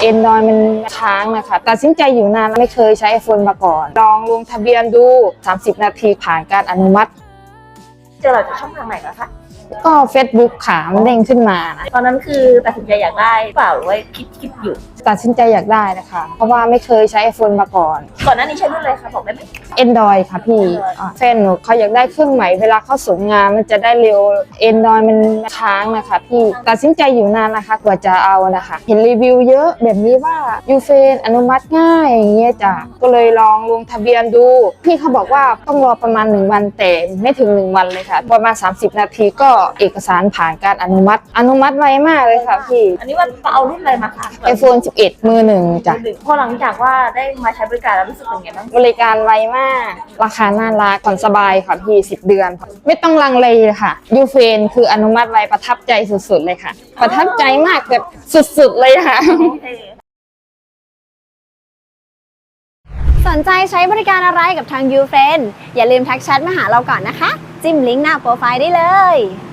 Android มันค้างนะคะตัดสินใจอยู่นานไม่เคยใช้ iPhone มาก่อนลองลงทะเบียนดู30 นาทีผ่านการอนุมัติเจอเราจากช่องทางไหนนะคะก็ Facebook ค่ะมันเด้งขึ้นมานะตอนนั้นคือตัดสินใจอยากได้เปล่าหรือว่าคิดอยู่ตัดสินใจอยากได้นะคะเพราะว่าไม่เคยใช้ iPhone มาก่อนหน้านี้ใช้รุ่นอะไรคะบอกได้ไหม Android ค่ะพี่แฟนหนูเขาอยากได้เครื่องใหม่เวลาเขาส่งงานมันจะได้เร็ว Android มันค้างนะคะพี่ตัดสินใจอยู่นานนะคะกว่าจะเอานะคะเห็นรีวิวเยอะแบบนี้ว่ายูเฟนอนุมัติง่ายอย่างเงี้ยจ้ะก็เลยลองลงทะเบียนดูพี่เขาบอกว่าต้องรอประมาณ1 วันแต่ไม่ถึง1 วันเลยค่ะประมาณ30 นาทีก็เอกสารผ่านการอนุมัติไวมากเลยค่ะพี่อันนี้ว่าเอารุ่นอะไรมาคะ iPhone 11 มือหนึ่งจ้ะพอหลังจากว่าได้มาใช้บริการแล้วรู้สึกเป็นไงบ้างบริการไวมากราคาน่ารักผ่อนสบายค่ะพี่10 เดือนไม่ต้องลังเลค่ะยูเฟนคืออนุมัติไวประทับใจสุดๆเลยค่ะประทับใจมากแบบสุดๆเลยค่ะสนใจใช้บริการอะไรกับทาง YouFriend อย่าลืมทักแชทมาหาเราก่อนนะคะจิ้มลิงก์หน้าโปรไฟล์ได้เลย